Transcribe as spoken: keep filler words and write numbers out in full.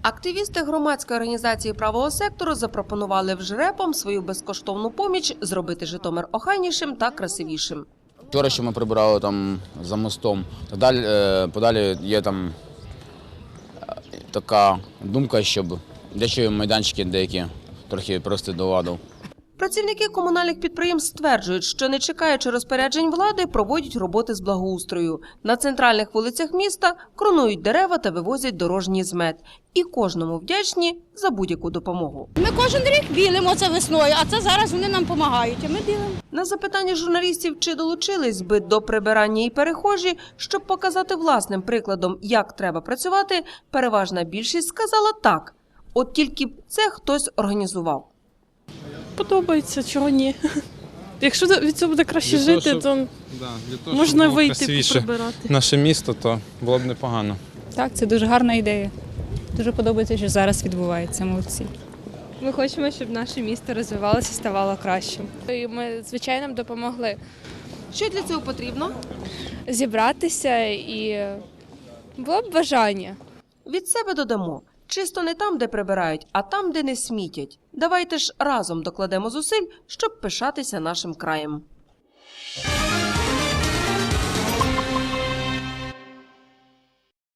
Активісти громадської організації правого сектору запропонували вжрепам свою безкоштовну поміч зробити Житомир охайнішим та красивішим. Вчора, що ми прибирали там за мостом, подалі, подалі є там така думка, щоб дещо майданчики деякі трохи привести до ладу. Працівники комунальних підприємств стверджують, що не чекаючи розпоряджень влади, проводять роботи з благоустрою. На центральних вулицях міста кронують дерева та вивозять дорожній змет. І кожному вдячні за будь-яку допомогу. Ми кожен рік білимо це весною, а це зараз вони нам допомагають, а ми білимо. На запитання журналістів, чи долучились би до прибирання і перехожі, щоб показати власним прикладом, як треба працювати, переважна більшість сказала так. От тільки б це хтось організував. Подобається, чого ні. Якщо від цього буде краще для жити, того, щоб, то да, для того, можна щоб вийти прибирати. Наше місто, то було б непогано. Так, це дуже гарна ідея. Дуже подобається, що зараз відбувається. Молодці. Ми хочемо, щоб наше місто розвивалося і ставало кращим. І ми, звичайно, допомогли Що для цього потрібно? зібратися і було б бажання. Від себе додамо. Чисто не там, де прибирають, а там, де не смітять. Давайте ж разом докладемо зусиль, щоб пишатися нашим краєм.